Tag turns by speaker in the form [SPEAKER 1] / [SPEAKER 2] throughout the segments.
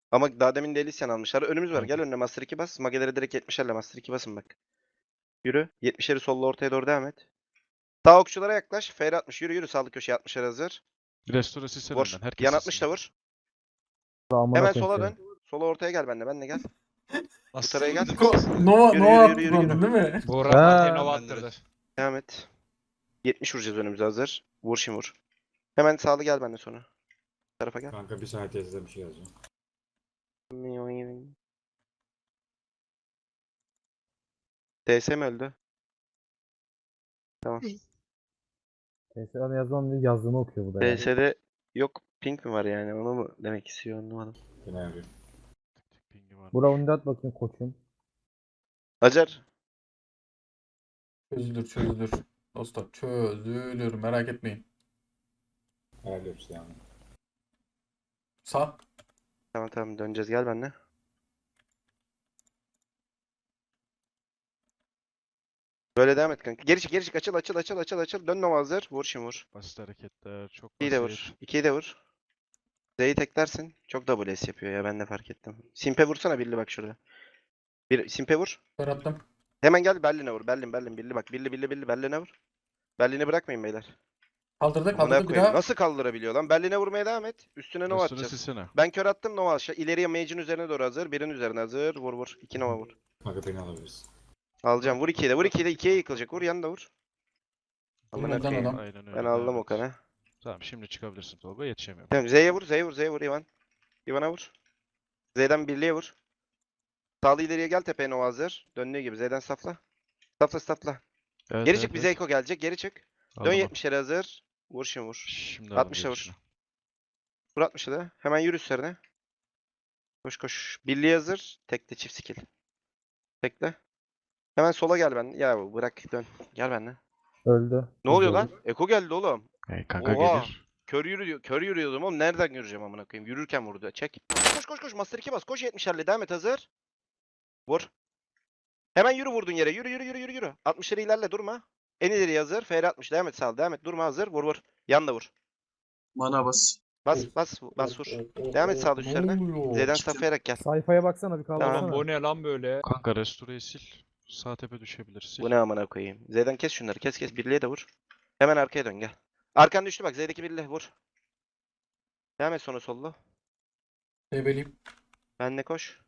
[SPEAKER 1] Ama daha demin de Elysian almışlar. Önümüz var.
[SPEAKER 2] Kanka.
[SPEAKER 1] Gel önüne Master 2 bas. Mageleri direkt 70'lerle Master 2 basın bak. Yürü. 70'leri solla ortaya doğru devam et. Sağ okçulara yaklaş. Fr 60. Yürü yürü. Sağlık köşeye 60'lar hazır.
[SPEAKER 2] Restore silsen
[SPEAKER 1] Vur.
[SPEAKER 2] önden. Herkes
[SPEAKER 1] Yan 60
[SPEAKER 2] silsin.
[SPEAKER 1] da vur.
[SPEAKER 3] Amına
[SPEAKER 1] Hemen
[SPEAKER 3] koyayım
[SPEAKER 1] sola
[SPEAKER 3] seni.
[SPEAKER 1] dön. Sola ortaya gel benimle. Benimle gel. Bu
[SPEAKER 4] Nasıl
[SPEAKER 1] tarafa gel.
[SPEAKER 5] Nova,
[SPEAKER 1] Yürü,
[SPEAKER 5] Nova
[SPEAKER 1] yürü,
[SPEAKER 5] attı
[SPEAKER 1] yürü, yürü,
[SPEAKER 5] sandım değil mi?
[SPEAKER 4] Buğra
[SPEAKER 3] Ha.
[SPEAKER 4] Fatih Nova attırdı.
[SPEAKER 1] Devam et. 70 vuracağız önümüze hazır. Vur şimdi vur. Hemen sağlı gel benimle sonra. Bu tarafa gel.
[SPEAKER 5] Kanka bir saniye teyzeden bir şey yazacağım.
[SPEAKER 1] TS mi öldü? Tamam.
[SPEAKER 3] TSA'da yazmam diye yazdığını okuyor bu da yani.
[SPEAKER 1] TS'de yok pink mi var yani onu mu demek istiyor anlamadım.
[SPEAKER 5] Yine yapıyorum.
[SPEAKER 2] Pingi var.
[SPEAKER 3] Bura onu da at bakayım koçum.
[SPEAKER 1] Acar.
[SPEAKER 5] Çözülür çözülür. Dostlar çözülür merak etmeyin. Ayarlıyoruz yani. Sağ.
[SPEAKER 1] Tamam tamam döneceğiz gel benimle. Böyle devam et kanka. Geri çık geri çık açıl açıl açıl açıl açıl. Dön Nova hazır. Vur şimdi vur.
[SPEAKER 2] Basit hareketler. Çok
[SPEAKER 1] 2'yi de
[SPEAKER 2] basit.
[SPEAKER 1] vur. 2'yi de vur. Z'yi teklersin. Çok WS yapıyor ya ben de fark ettim. Simpe vursana Billy bak şurada. Bir Simpe vur.
[SPEAKER 5] Kör attım.
[SPEAKER 1] Hemen gel Berlin'e vur. Berlin Billy bak. Billy Berlin'e vur. Berlin'i bırakmayın beyler.
[SPEAKER 5] Kaldırdı
[SPEAKER 1] Amına
[SPEAKER 5] kaldırdı bir
[SPEAKER 1] koyayım.
[SPEAKER 5] daha.
[SPEAKER 1] Nasıl kaldırabiliyor lan? Berlin'e vurmaya devam et. Üstüne Nova
[SPEAKER 2] Restore
[SPEAKER 1] atacağız.
[SPEAKER 2] silsene.
[SPEAKER 1] Ben kör attım Nova aşağı. İleriye Mage'in üzerine doğru hazır. Birin üzerine hazır. Vur vur. 2 Nova vur.
[SPEAKER 5] Kanka beni alabiliriz.
[SPEAKER 1] Alacağım. Vur 2'ye de. Vur 2'ye de. 2'ye yıkılacak. Vur yanında vur.
[SPEAKER 5] Vurun
[SPEAKER 1] Amına
[SPEAKER 5] oradan
[SPEAKER 1] koyayım.
[SPEAKER 5] adam.
[SPEAKER 2] Aynen öyle.
[SPEAKER 1] Ben
[SPEAKER 2] devam
[SPEAKER 1] aldım
[SPEAKER 2] et.
[SPEAKER 1] Okan'ı.
[SPEAKER 2] Tamam şimdi çıkabilirsin Tolga. Yetişemiyorum.
[SPEAKER 1] Tamam Z'ye vur. Z'ye vur Ivan. Ivan'a vur. Z'den birliğe vur. Sağlı ileriye gel tepeye Nova hazır. Döndüğü gibi Z'den safla. Safla.
[SPEAKER 2] Evet,
[SPEAKER 1] Geri
[SPEAKER 2] evet,
[SPEAKER 1] çık bize
[SPEAKER 2] evet.
[SPEAKER 1] Eko gelecek. Geri çık. Dön
[SPEAKER 2] Aldım onu.
[SPEAKER 1] 70'lere hazır. Vur şimdi vur.
[SPEAKER 2] Şimdi aldım
[SPEAKER 1] 60'a vur.
[SPEAKER 2] gelişini.
[SPEAKER 1] Vur 60'a da. Hemen yürü üzerine. Koş. Birliğe hazır. Tekle çift skill. Tekle. Hemen sola gel ben. Ya bırak dön. Gel benimle.
[SPEAKER 3] Öldü.
[SPEAKER 1] Ne oluyor
[SPEAKER 3] Güzel.
[SPEAKER 1] lan? Eko geldi oğlum.
[SPEAKER 2] Kanka
[SPEAKER 1] Oha.
[SPEAKER 2] gelir.
[SPEAKER 1] Kör yürüyordum oğlum. Nereden göreceğim amına koyayım? Yürürken vurdu. Çek. Koş. Master 2 bas. Koş 70'lerle. Devam et hazır. Vur. Hemen yürü vurdun yere. Yürü. 60'ları ilerle durma. En ileri hazır. FR 60. Devam et sağ ol. Devam et. Durma hazır. Vur. Yan da vur.
[SPEAKER 6] Mana bas.
[SPEAKER 1] Bas vur. Devam et sağ
[SPEAKER 5] Ne
[SPEAKER 1] üstlerine.
[SPEAKER 5] oluyor?
[SPEAKER 1] Z'den saflayarak gel.
[SPEAKER 3] Sayfaya baksana bir
[SPEAKER 1] Tamam.
[SPEAKER 3] kaldırsana.
[SPEAKER 4] Oğlum bu ne lan böyle?
[SPEAKER 2] Kanka restore'yi sil. Sağ tepe düşebilir. Sil.
[SPEAKER 1] Bu ne amına koyayım. Z'den kes şunları. Kes. Birliğe de vur. Hemen arkaya dön gel. Arkan düştü bak. Z'deki birliğe vur. Devam et sonra sollu.
[SPEAKER 5] Tebeliyim.
[SPEAKER 1] Benle koş.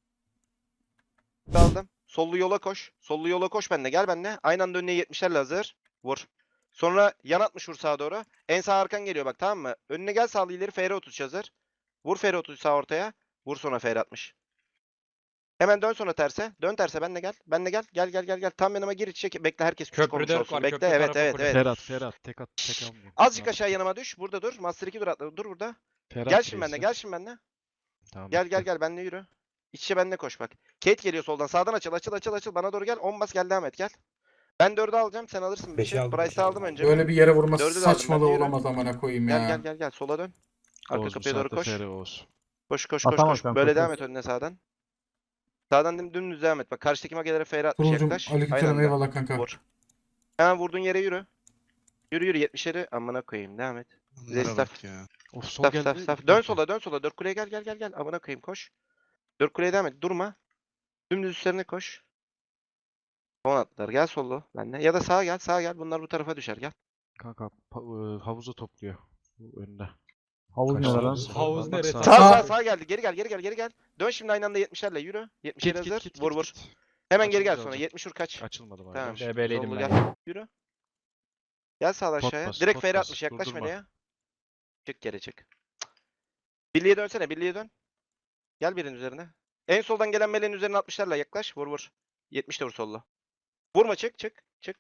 [SPEAKER 1] Aldım. Sollu yola koş benle. Gel benle. Aynı anda önüne 70'lerle hazır. Vur. Sonra yan 60 vur sağa doğru. En sağ arkan geliyor bak tamam mı? Önüne gel sağlı ileri FR 30 hazır. Vur FR 30 sağ ortaya. Vur sonra FR 60. Hemen dön sonra terse. Dön terse benle gel. Benle gel. Gel. Tam yanıma gir içe. Bekle herkes küçük olmuş
[SPEAKER 4] Köprüde
[SPEAKER 1] olsun.
[SPEAKER 4] var,
[SPEAKER 1] Bekle
[SPEAKER 4] köprü
[SPEAKER 1] evet.
[SPEAKER 4] tarafı kule.
[SPEAKER 2] Ferhat. Tek almayayım.
[SPEAKER 1] Azıcık
[SPEAKER 2] Tamam.
[SPEAKER 1] aşağı yanıma düş. Burada dur. Master 2 dur atla. Dur burada.
[SPEAKER 2] Ferhat
[SPEAKER 1] Gel şimdi
[SPEAKER 2] base'de.
[SPEAKER 1] benle.
[SPEAKER 2] Tamam.
[SPEAKER 1] Gel
[SPEAKER 2] bekle.
[SPEAKER 1] benle yürü. İç içe benle koş bak. Kate geliyor soldan. Sağdan açıl. Bana doğru gel. 10 bas gel devam et gel. Ben 4'ü alacağım. Sen alırsın 5'i. Price'ı aldım önce.
[SPEAKER 5] Böyle bir yere vurması
[SPEAKER 1] Dördü de aldım,
[SPEAKER 5] saçmalığı
[SPEAKER 1] ben de yürü.
[SPEAKER 5] olamaz amına koyayım ya.
[SPEAKER 1] Gel. Sola dön. Arka
[SPEAKER 2] Oğuz bu
[SPEAKER 1] kapıya doğru
[SPEAKER 2] saatte
[SPEAKER 1] koş.
[SPEAKER 2] FR Oğuz.
[SPEAKER 1] Koş.
[SPEAKER 3] Atamaz sen,
[SPEAKER 1] Böyle
[SPEAKER 3] koş.
[SPEAKER 1] devam et önüne sağdan. Sağdan dümdüz devam et. Bak karşıdaki magelere FR 60
[SPEAKER 5] Turuncum
[SPEAKER 1] yaklaş. Aynı
[SPEAKER 5] aleykümselam
[SPEAKER 1] anda.
[SPEAKER 5] eyvallah kanka.
[SPEAKER 1] Vur. Hemen vurduğun yere yürü. Yürü 70'leri. Amına koyayım. Devam et.
[SPEAKER 4] Bunlara bak ya.
[SPEAKER 2] Of sol geldi.
[SPEAKER 1] Staf. Dön sola. 4 kuleye gel. Amına koyayım koş. 4 kuleye devam et. Durma. Dümdüz üstlerine koş. Son atlar. Gel sollu. Benle. Ya da sağa gel. Bunlar bu tarafa düşer. Gel.
[SPEAKER 2] Kanka havuzu topluyor. Bu önünde.
[SPEAKER 3] Havuz ne
[SPEAKER 2] Kaçtı
[SPEAKER 3] lan?
[SPEAKER 2] orası.
[SPEAKER 4] Havuz
[SPEAKER 2] Bak
[SPEAKER 4] neresi?
[SPEAKER 2] sağa.
[SPEAKER 1] Sağ geldi. Geri gel. Dön şimdi aynı anda 70'lerle yürü. 70'ler hazır.
[SPEAKER 2] Git.
[SPEAKER 1] Vur. Hemen geri gel
[SPEAKER 2] Açılınca
[SPEAKER 1] sonra.
[SPEAKER 2] alacağım.
[SPEAKER 1] 70 vur kaç.
[SPEAKER 2] Açılmadım abi.
[SPEAKER 1] Tamam.
[SPEAKER 2] Yavaş.
[SPEAKER 4] DB'liydim
[SPEAKER 1] Sollu
[SPEAKER 4] ben
[SPEAKER 1] gel.
[SPEAKER 4] ya.
[SPEAKER 1] Yürü. Gel sağ
[SPEAKER 2] Pot
[SPEAKER 1] aşağıya.
[SPEAKER 2] bas,
[SPEAKER 1] Direkt
[SPEAKER 2] pot
[SPEAKER 1] FR
[SPEAKER 2] bas.
[SPEAKER 1] 60 yaklaş
[SPEAKER 2] Durdurma.
[SPEAKER 1] meleğe. Çık geri çık. Birliğe dönsene. Birliğe dön. Gel birin üzerine. En soldan gelen meleğin üzerine 60'larla yaklaş. Vur. 70 de vur solla. Vurma çık.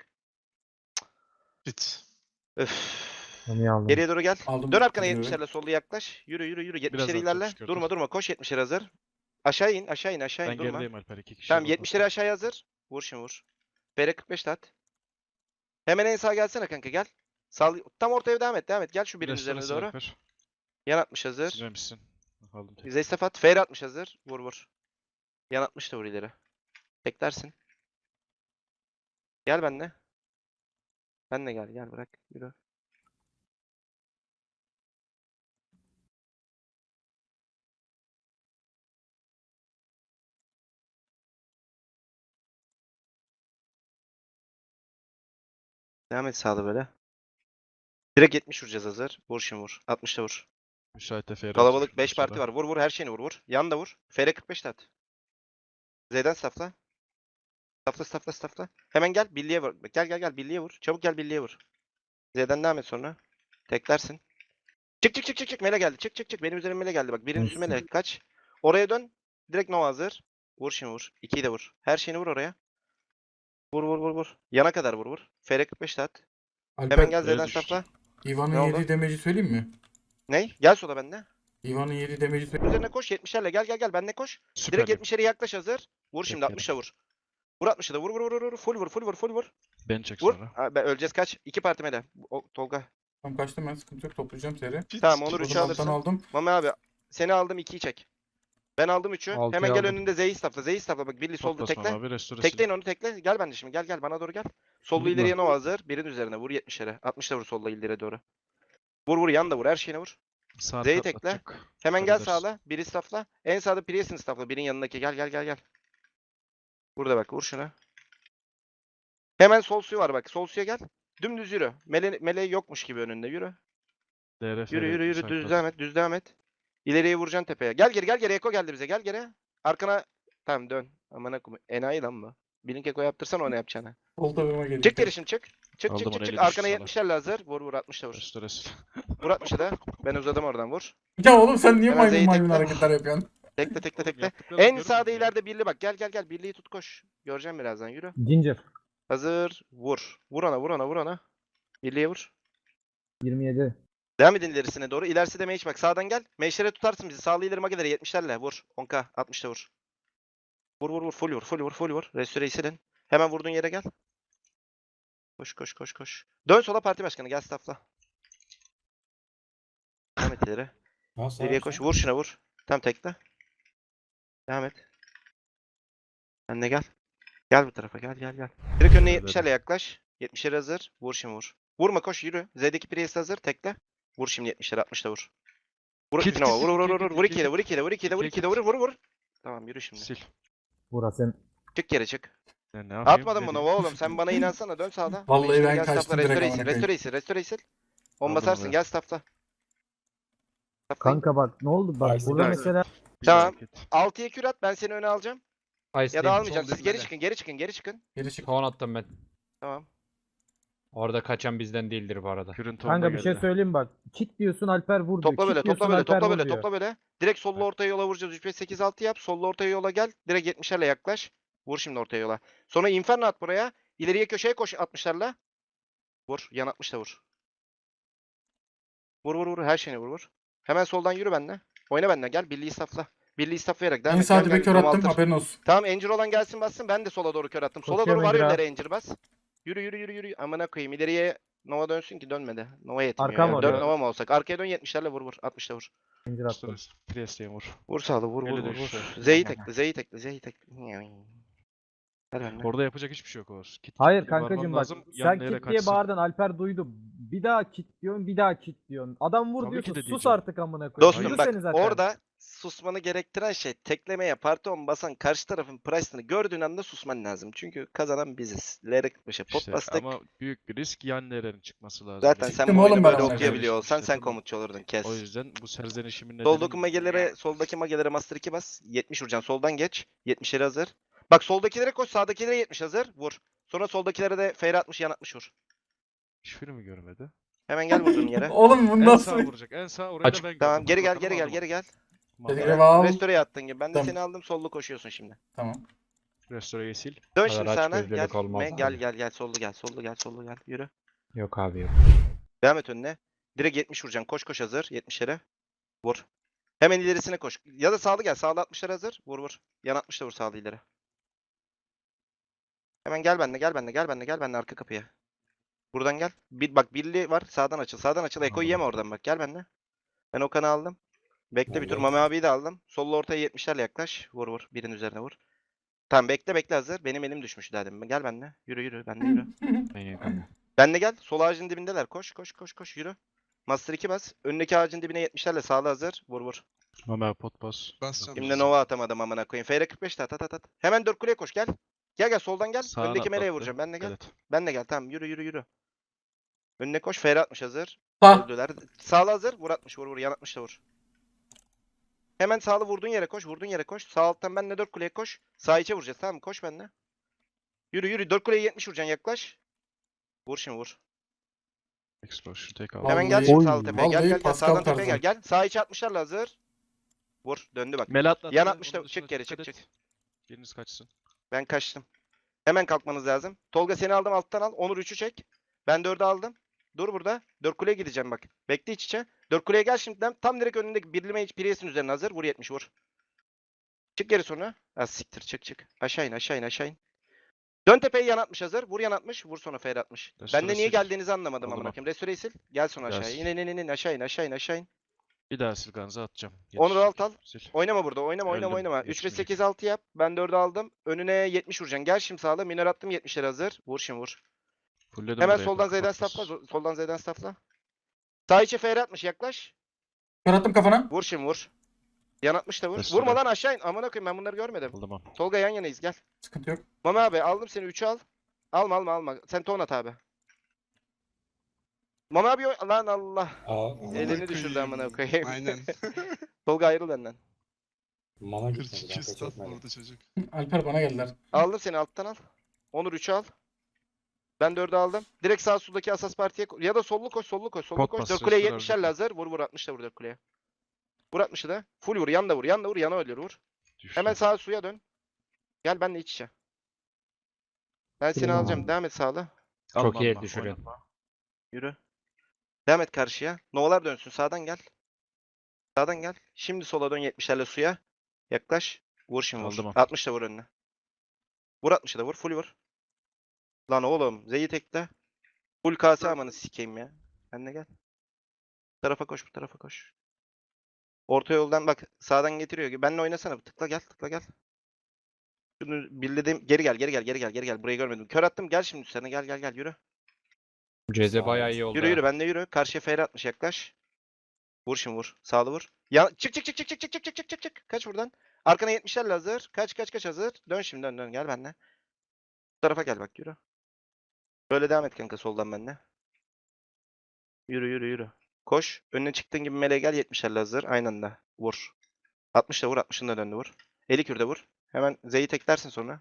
[SPEAKER 4] Bit.
[SPEAKER 1] Öf.
[SPEAKER 3] Onu aldım.
[SPEAKER 1] Geriye doğru gel.
[SPEAKER 5] Aldım.
[SPEAKER 1] Dön arkana
[SPEAKER 5] Yürü.
[SPEAKER 1] 70'lerle sollu yaklaş. Yürü. 70'leri
[SPEAKER 2] Birazdan
[SPEAKER 1] ilerle.
[SPEAKER 2] çok çıkıyor, dur.
[SPEAKER 1] Durma. Koş 70'leri hazır. Aşağı in.
[SPEAKER 2] Ben
[SPEAKER 1] Durma.
[SPEAKER 2] gerideyim Alper 2 kişi.
[SPEAKER 1] Tamam
[SPEAKER 2] burada.
[SPEAKER 1] 70'leri aşağıya hazır. Vur şimdi vur. FR 45 de at. Hemen en sağa gelsene kanka gel. Tam ortaya devam et. Gel şu birin
[SPEAKER 2] Restore
[SPEAKER 1] üzerine
[SPEAKER 2] sil
[SPEAKER 1] doğru.
[SPEAKER 2] Alper.
[SPEAKER 1] Yan 60 hazır.
[SPEAKER 2] Silmemişsin. Aldım tek.
[SPEAKER 1] Zestaf at. FR 60 hazır. Vur. Yan 60 da vur ileri. Beklersin. Gel benle. Benle gel bırak. Yürü. Devam et sağda böyle. Direkt 70 vuracağız hazır. Vur şimdi vur. 60'ta vur.
[SPEAKER 2] Müsait FR
[SPEAKER 1] Kalabalık 5 parti var. Vur vur her şeyini vur vur. Yan da vur. FR 45 de at. Z'den safla. Safla. Hemen gel birliğe vur. Gel birliğe vur. Çabuk gel birliğe vur. Z'den devam et sonra. Teklersin. Çık. Mele geldi. Çık. Benim üzerime mele geldi. Bak birinin üstüne mele. Kaç. Oraya dön. Direkt Nova hazır. Vur şimdi vur. 2'yi de vur. Her şeyini vur oraya. Vur. Yana kadar vur. FR 45 de at. Hemen
[SPEAKER 5] Alper,
[SPEAKER 1] gel Z'den
[SPEAKER 2] düştü.
[SPEAKER 1] safla. Ne
[SPEAKER 5] Ivan'ın
[SPEAKER 1] oldu?
[SPEAKER 5] yediği demeci söyleyeyim mi?
[SPEAKER 1] Ney? Gel sola bende.
[SPEAKER 5] Ivan'ın yediği demeci söyleyeyim.
[SPEAKER 1] Üzerine koş 70'lerle gel benle koş.
[SPEAKER 2] Süper.
[SPEAKER 1] Direkt 70'lere yaklaş hazır. Vur şimdi
[SPEAKER 2] Beklerim.
[SPEAKER 1] 60'la vur. Vur 60'la da vur. Full vur.
[SPEAKER 2] Ben çek
[SPEAKER 1] Vur.
[SPEAKER 2] sonra.
[SPEAKER 1] Ha, öleceğiz kaç? 2 parti mele. Tolga.
[SPEAKER 5] Tamam kaçtım ben, sıkıntı yok, toplayacağım seri.
[SPEAKER 1] Tamam Onur
[SPEAKER 5] O
[SPEAKER 1] 3'ü
[SPEAKER 5] zaman
[SPEAKER 1] alırsın.
[SPEAKER 5] aldım.
[SPEAKER 1] Mami abi seni aldım 2'yi çek. Ben aldım 3'ü.
[SPEAKER 4] Altıyı
[SPEAKER 1] Hemen gel
[SPEAKER 4] aldım.
[SPEAKER 1] önünde Z'yi stafla. Bak Billy solda
[SPEAKER 2] Top basma
[SPEAKER 1] tekle.
[SPEAKER 2] abi. Restore
[SPEAKER 1] Tekleyin onu tekle. Gel bende şimdi. Gel bana doğru gel. Sollu
[SPEAKER 5] Vurdum
[SPEAKER 1] ileriye
[SPEAKER 5] ben.
[SPEAKER 1] Nova hazır. Birin üzerine vur 70'lere. 60'la vur solla ileriye doğru. Vur yan da vur. Her şeyine vur.
[SPEAKER 2] Sağ
[SPEAKER 1] Z'yi
[SPEAKER 2] kat
[SPEAKER 1] tekle.
[SPEAKER 2] atacak.
[SPEAKER 1] Hemen gel
[SPEAKER 2] Süper edersin.
[SPEAKER 1] sağla. Biri stafla. En sağda Priest'in stafla. Birin yanındaki. Gel. Burada bak vur şuna. Hemen sol suyu var bak. Sol suya gel. Dümdüz yürü. Mele yokmuş gibi önünde yürü.
[SPEAKER 2] DRF
[SPEAKER 1] Yürü.
[SPEAKER 2] müsait
[SPEAKER 1] Düz devam et. İleriye vuracaksın tepeye. Gel geri. Eko geldi bize. Gel geri. Arkana. Tamam dön. Amına koyayım. Enayi lan bu. Birinin Eko yaptırsan o ne yapacağını.
[SPEAKER 5] Sol tabağıma geliyor.
[SPEAKER 1] Çık geri şimdi çık.
[SPEAKER 2] Aldım onu, eli
[SPEAKER 1] Arkana
[SPEAKER 2] düştü
[SPEAKER 1] 70'lerle hazır. Vur 60'la vur.
[SPEAKER 2] Restore.
[SPEAKER 1] Vur 60'a da. Ben uzadım oradan vur.
[SPEAKER 5] Ya oğlum sen niye
[SPEAKER 1] Hemen Z'yi
[SPEAKER 5] maymun
[SPEAKER 1] tekle.
[SPEAKER 5] hareketler yapıyorsun?
[SPEAKER 1] Tekle. En sağda ileride birli bak. Gel. Birliği tut koş. Göreceğim birazdan yürü.
[SPEAKER 3] Ginger.
[SPEAKER 1] Hazır. Vur. Vur ona. Birliğe vur.
[SPEAKER 3] 27.
[SPEAKER 1] Devam edin ilerisine doğru. İlerisi de mage bak. Sağdan gel. Mage'lere tutarsın bizi. Sağlı ileri mageleri 70'lerle. Vur. 10k. 60'ta vur. Vur. Full vur. Restore'yi silin. Hemen vurduğun yere gel. Koş. Dön sola parti başkanı. Gel staffla. Devam et ileri. İleriye koş. Vur şuna vur. Tam tekle. Devam et. Sen de gel. Gel bu tarafa. Gel. Direkt önüne
[SPEAKER 2] Hadi.
[SPEAKER 1] 70'lerle yaklaş. 70'leri hazır. Vur şimdi vur. Vurma koş yürü. Z'deki Priest hazır. Tekle. Vur şimdi 70'leri 60'ta vur. Vur
[SPEAKER 2] Kit,
[SPEAKER 1] Nova.
[SPEAKER 2] kit,
[SPEAKER 1] Vur.
[SPEAKER 2] kit,
[SPEAKER 1] Vur
[SPEAKER 2] kit,
[SPEAKER 1] 2'ye de. Vur 2'ye de. Vur. Tamam yürü şimdi.
[SPEAKER 2] Sil.
[SPEAKER 3] Burası.
[SPEAKER 1] Çık geri çık.
[SPEAKER 2] Ne yapayım?
[SPEAKER 1] Atmadın
[SPEAKER 2] Ne
[SPEAKER 1] mı
[SPEAKER 2] diyeyim?
[SPEAKER 1] Nova oğlum? Sen bana inansana. Dön sağda.
[SPEAKER 5] Vallahi
[SPEAKER 1] Mage'lere
[SPEAKER 5] ben
[SPEAKER 1] gel
[SPEAKER 5] kaçtım
[SPEAKER 1] staffla.
[SPEAKER 5] direkt
[SPEAKER 1] Restore'yi
[SPEAKER 5] amına koyayım.
[SPEAKER 1] sil. Restore'yi sil. On
[SPEAKER 2] Aldım
[SPEAKER 1] basarsın.
[SPEAKER 2] oraya.
[SPEAKER 1] Gel staffla.
[SPEAKER 3] Kanka bak ne oldu? Bak
[SPEAKER 5] Aynen.
[SPEAKER 3] burada
[SPEAKER 2] Evet.
[SPEAKER 3] mesela
[SPEAKER 2] Bir
[SPEAKER 1] Tamam.
[SPEAKER 2] hareket.
[SPEAKER 1] 6'ya kür at. Ben seni öne alacağım. Ya da
[SPEAKER 4] Ice'deyim.
[SPEAKER 1] almayacağım.
[SPEAKER 4] Sol
[SPEAKER 1] Siz geri
[SPEAKER 4] dibinde.
[SPEAKER 1] çıkın.
[SPEAKER 5] Geri çık.
[SPEAKER 4] Ton attım ben.
[SPEAKER 1] Tamam.
[SPEAKER 4] Orada kaçan bizden değildir bu arada.
[SPEAKER 2] Kürün tonuna
[SPEAKER 3] kanka bir şey
[SPEAKER 2] geldi.
[SPEAKER 3] söyleyeyim bak. Kit diyorsun Alper vur diyor.
[SPEAKER 1] Topla böyle.
[SPEAKER 3] Kit diyorsun Alper vur diyor.
[SPEAKER 1] Topla böyle. Direkt sollu ortaya yola vuracağız. 3 5 8 6 yap. Sollu ortaya yola gel. Direkt 70'lerle yaklaş. Vur şimdi ortaya yola. Sonra Inferno at buraya. İleriye köşeye koş 60'larla. Vur. Yan 60'la vur. Vur. Her şeyini vur. Hemen soldan yürü benimle. Oyna benimle. Gel. Birliği staffla. Birliği stafflayarak devam
[SPEAKER 5] En
[SPEAKER 1] et.
[SPEAKER 5] sağ
[SPEAKER 1] Gel,
[SPEAKER 5] dibe
[SPEAKER 1] gel,
[SPEAKER 5] kör
[SPEAKER 1] Dom
[SPEAKER 5] attım,
[SPEAKER 1] altır.
[SPEAKER 5] haberin olsun.
[SPEAKER 1] Tamam Encir olan gelsin bassın. Ben de sola doğru kör attım. Sola
[SPEAKER 3] Koşuyorum
[SPEAKER 1] doğru var
[SPEAKER 3] Encir abi.
[SPEAKER 1] yönlere Encir bas. Yürü. Amına koyayım. İleriye Nova dönsün ki dönmedi. Nova yetmiyor
[SPEAKER 3] Arkam
[SPEAKER 1] ya.
[SPEAKER 3] var
[SPEAKER 1] 4
[SPEAKER 3] ya.
[SPEAKER 1] Nova mı olsak? Arkaya dön 70'lerle vur. 60'la vur.
[SPEAKER 3] Zincir attım.
[SPEAKER 2] Restore. Priest'e vur.
[SPEAKER 1] Vur sağlı vur.
[SPEAKER 2] Eli düştü.
[SPEAKER 1] Z'yi tekle. Hadi benimle.
[SPEAKER 2] Orada yapacak hiçbir şey yok Oğuz. Kit
[SPEAKER 3] Hayır
[SPEAKER 2] kit varmam
[SPEAKER 3] kankacım bak.
[SPEAKER 2] lazım,
[SPEAKER 3] Sen
[SPEAKER 2] yanına yere
[SPEAKER 3] kit diye
[SPEAKER 2] kaçsın.
[SPEAKER 3] bağırdın Alper duydu. Bir daha kit diyorsun, bir daha kit diyorsun. Adam vur
[SPEAKER 2] Tabii
[SPEAKER 3] diyorsun.
[SPEAKER 2] ki de
[SPEAKER 3] Sus
[SPEAKER 2] diyeceğim.
[SPEAKER 3] artık amına koyayım.
[SPEAKER 1] Dostum
[SPEAKER 3] Yürü
[SPEAKER 1] bak
[SPEAKER 3] seni zaten.
[SPEAKER 1] orada susmanı gerektiren şey teklemeye parti on basan karşı tarafın price'ını gördüğün anda susman lazım. Çünkü kazanan biziz. Lerek başa pot
[SPEAKER 2] İşte
[SPEAKER 1] bastık.
[SPEAKER 2] ama büyük bir risk yan nerenin çıkması lazım.
[SPEAKER 1] Zaten
[SPEAKER 2] Yani.
[SPEAKER 1] sen
[SPEAKER 5] Gittim
[SPEAKER 1] bu oyunu
[SPEAKER 5] oğlum ben
[SPEAKER 1] böyle
[SPEAKER 5] amına
[SPEAKER 1] okuyabiliyor
[SPEAKER 2] koyayım.
[SPEAKER 1] olsan
[SPEAKER 2] İşte
[SPEAKER 1] sen
[SPEAKER 2] bunu-
[SPEAKER 1] komutçu olurdun kes.
[SPEAKER 2] O yüzden bu serzenişimin nedeni
[SPEAKER 1] Soldaki magelere, soldaki magelere master 2 bas. 70 vuracaksın. Soldan geç. 70'leri hazır. Bak soldakilere koş. Sağdakilere 70 hazır. Vur. Sonra soldakilere de FR 60 yan 60 vur.
[SPEAKER 2] hiçbiri mi görmedi?
[SPEAKER 1] Hemen gel vurduğun yere.
[SPEAKER 5] Oğlum bu
[SPEAKER 2] En
[SPEAKER 5] nasıl?
[SPEAKER 2] sağ vuracak. En sağ oraya
[SPEAKER 4] Açık.
[SPEAKER 2] da ben
[SPEAKER 1] Tamam
[SPEAKER 2] gördüm.
[SPEAKER 1] geri gel
[SPEAKER 2] Bakalım adama.
[SPEAKER 1] geri gel.
[SPEAKER 2] Tamam.
[SPEAKER 5] Geri al.
[SPEAKER 1] Restore'ye attın gibi. Ben de
[SPEAKER 5] Tamam.
[SPEAKER 1] seni aldım. Sollu koşuyorsun şimdi.
[SPEAKER 5] Tamam.
[SPEAKER 2] Restore'yi sil.
[SPEAKER 1] Dön
[SPEAKER 4] kadar
[SPEAKER 1] şimdi
[SPEAKER 4] aç
[SPEAKER 1] sağına.
[SPEAKER 4] gözlülük
[SPEAKER 1] Gel.
[SPEAKER 4] olmaz abi.
[SPEAKER 1] Gel. Sollu gel. Yürü.
[SPEAKER 4] Yok abi yok.
[SPEAKER 1] Devam et önüne. Direkt 70 vuracaksın. Koş hazır. 70'lere. Vur. Hemen ilerisine koş. Ya da sağlı gel. Sağlı 60'lara hazır. Vur. Yan 60'la vur sağlı ileri. Hemen gel benimle arka kapıya. Buradan gel. Bak birli var. Sağdan açıl. Eko'yu yeme oradan bak. Gel benimle. Ben Okan'ı aldım. Bekle bir tur.
[SPEAKER 5] Aldım.
[SPEAKER 1] Mami abiyi de aldım. Sollu ortaya 70'lerle yaklaş. Vur. Birinin üzerine vur. Tamam bekle hazır. Benim elim düşmüş daha demin. Gel benimle. Yürü. Benimle yürü.
[SPEAKER 4] Aynen kanka.
[SPEAKER 1] Benle gel. Sol ağacın dibindeler. Koş. Yürü. Master 2 bas. Önündeki ağacın dibine 70'lerle sağlı hazır. Vur.
[SPEAKER 2] Mama pot bas.
[SPEAKER 6] Basacağım.
[SPEAKER 1] Şimdi Nova atamadım amına koyayım. FR 45 de at. Hemen 4 kuleye koş gel. Gel soldan gel.
[SPEAKER 2] Sağına
[SPEAKER 1] Öndeki meleğe
[SPEAKER 2] atlattı.
[SPEAKER 1] vuracağım. Benle gel.
[SPEAKER 2] Evet.
[SPEAKER 1] Benle gel. Tamam yürü. Önüne koş. Fer 60 hazır.
[SPEAKER 5] Sağ.
[SPEAKER 1] Öldüler. Sağlı hazır. Vur 60 vur vur. Yan 60 da vur. Hemen sağlı vurduğun yere koş. Vurduğun yere koş. Sağ alttan benle 4 kuleye koş. Sağ içe vuracağız tamam mı? Koş benle. Yürü yürü. 4 kuleye 70 vuracaksın yaklaş. Vur şimdi vur.
[SPEAKER 2] Explosion tek
[SPEAKER 5] Vallahi-
[SPEAKER 2] aldım.
[SPEAKER 1] Hemen gel şimdi
[SPEAKER 3] Oy.
[SPEAKER 1] sağlı tepeye. Gel
[SPEAKER 5] Vallahi
[SPEAKER 1] gel gel.
[SPEAKER 5] Pascal
[SPEAKER 1] Sağdan tepeye
[SPEAKER 5] tarzı.
[SPEAKER 1] gel. Gel. Sağ içe 60'larla hazır. Vur. Döndü bak.
[SPEAKER 2] Mel atladı.
[SPEAKER 1] Yan 60'da
[SPEAKER 2] Onun dışına
[SPEAKER 1] çık geri çık
[SPEAKER 2] dikkat
[SPEAKER 1] çık.
[SPEAKER 2] et. Biriniz kaçsın.
[SPEAKER 1] Ben kaçtım. Hemen kalkmanız lazım. Tolga seni aldım alttan al. Onur 3'ü çek. Ben 4'ü aldım. Dur burada. 4 kuleye gideceğim bak. Bekle iç içe. 4 kuleye gel şimdiden. Tam direkt önündeki birli mage Priest'in üzerine hazır. Vur 70 vur. Çık geri sonra. Az siktir çık çık. Aşağı in aşağı in aşağı in. Dön tepeye yan 60 hazır. Vur yan 60. Vur sonra fer 60.
[SPEAKER 2] Restore
[SPEAKER 1] Ben de niye
[SPEAKER 2] sil.
[SPEAKER 1] geldiğinizi anlamadım
[SPEAKER 2] Aldım
[SPEAKER 1] amına
[SPEAKER 2] al.
[SPEAKER 1] koyayım. Restore'yi sil. Gel sonra
[SPEAKER 2] Gel
[SPEAKER 1] aşağıya.
[SPEAKER 2] sil.
[SPEAKER 1] İn aşağı in aşağı in aşağı in.
[SPEAKER 2] Bir daha Silganz'a atacağım.
[SPEAKER 1] Onur
[SPEAKER 2] Yetişecek.
[SPEAKER 1] alt al.
[SPEAKER 2] Sil.
[SPEAKER 1] Oynama burada. Oynama oynama
[SPEAKER 2] Öldüm.
[SPEAKER 1] oynama. 3 ve
[SPEAKER 2] Yetişmeyecek.
[SPEAKER 1] 8 6 yap. Ben 4'ü aldım. Önüne 70 vuracaksın. Gel şimdi sağla. Minör attım 70'ler hazır. Vur şimdi vur.
[SPEAKER 2] Fullledim
[SPEAKER 1] Hemen
[SPEAKER 2] buraya,
[SPEAKER 1] soldan Z'den
[SPEAKER 2] kapatmaz.
[SPEAKER 1] stafla. Soldan Z'den stafla. Sağ içe FR atmış yaklaş.
[SPEAKER 5] Kör attım kafana.
[SPEAKER 1] Vur şimdi vur. Yan atmış da vur.
[SPEAKER 2] Restore.
[SPEAKER 1] Vurma lan aşağı in. Amına koyayım ben bunları görmedim.
[SPEAKER 2] Aldım al.
[SPEAKER 1] Tolga yan yanayız gel.
[SPEAKER 5] Sıkıntı yok.
[SPEAKER 1] Mama abi aldım seni 3'ü al. Alma alma alma. Sen ton at abi. Mama abi lan Allah.
[SPEAKER 6] Amına
[SPEAKER 1] Elini düşürdü
[SPEAKER 6] koyayım.
[SPEAKER 1] amına koyayım.
[SPEAKER 6] Aynen.
[SPEAKER 1] Tolga ayrıl benden.
[SPEAKER 7] Mana gitmedi
[SPEAKER 6] 42
[SPEAKER 7] ben pek
[SPEAKER 6] stat
[SPEAKER 7] etmedim.
[SPEAKER 6] vurdu çocuk.
[SPEAKER 5] Alper bana geldiler.
[SPEAKER 1] Aldım seni alttan al. Onur 3'ü al. Ben 4'ü aldım. Direkt sağ soldaki asas partiye ya da sollu koş sollu koş sollu
[SPEAKER 2] Pot
[SPEAKER 1] koş.
[SPEAKER 2] bas,
[SPEAKER 1] 4 kuleye
[SPEAKER 2] restore
[SPEAKER 1] 70'lerle
[SPEAKER 2] aldım.
[SPEAKER 1] hazır. Vur vur 60 da vur 4 kuleye. Vur 60'ı da. Full vur yan da vur yan da vur yana ölür vur.
[SPEAKER 2] Düştü.
[SPEAKER 1] Hemen sağa suya dön. Gel benimle iç içe. Ben seni
[SPEAKER 3] Tamam.
[SPEAKER 1] alacağım. Devam et sağla.
[SPEAKER 4] Çok iyi
[SPEAKER 2] Alma,
[SPEAKER 4] düşürüyorsun.
[SPEAKER 2] oynatma.
[SPEAKER 1] Yürü. Devam et karşıya. Novalar dönsün. Sağdan gel. Sağdan gel. Şimdi sola dön 70'lerle suya. Yaklaş. Vur şimdi vur.
[SPEAKER 2] Aldım.
[SPEAKER 1] 60 da vur önüne. Vur 60'ı da vur. Full vur. Lan oğlum. Z'yi tekle. Full KS amanı sikeyim ya. Ben de gel. Bu tarafa koş. Bu tarafa koş. Orta yoldan bak. Sağdan getiriyor. Benle oynasana. Tıkla gel. Tıkla gel. Şunu bildiğim. Geri gel. Geri gel. Geri gel. Geri gel. Burayı görmedim. Kör attım. Gel şimdi üstlerine. Gel gel gel. Yürü.
[SPEAKER 4] Ceze bayağı iyi oldu.
[SPEAKER 1] Yürü
[SPEAKER 4] ha.
[SPEAKER 1] yürü. Ben de yürü. Karşıya FR atmış. Yaklaş. Vur şimdi vur. Sağlı vur. Ya çık çık çık çık çık çık çık çık çık çık çık. Kaç buradan. Arkana 70'lerle hazır. Kaç kaç kaç hazır. Dön şimdi dön dön. Gel benimle. Bu tarafa gel bak yürü. Böyle devam et kanka soldan benimle. Yürü yürü yürü. Koş. Önüne çıktığın gibi meleğe gel 70'lerle hazır. Aynı anda. Vur. 60 da vur. 60'ın da döndü vur. 50 kürde vur. Hemen Z'yi teklersin sonra.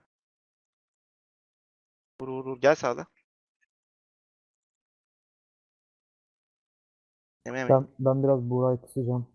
[SPEAKER 1] Vur vur vur. Gel sağda. Yeme yeme.
[SPEAKER 3] Ben biraz Buğra'yı kısacağım.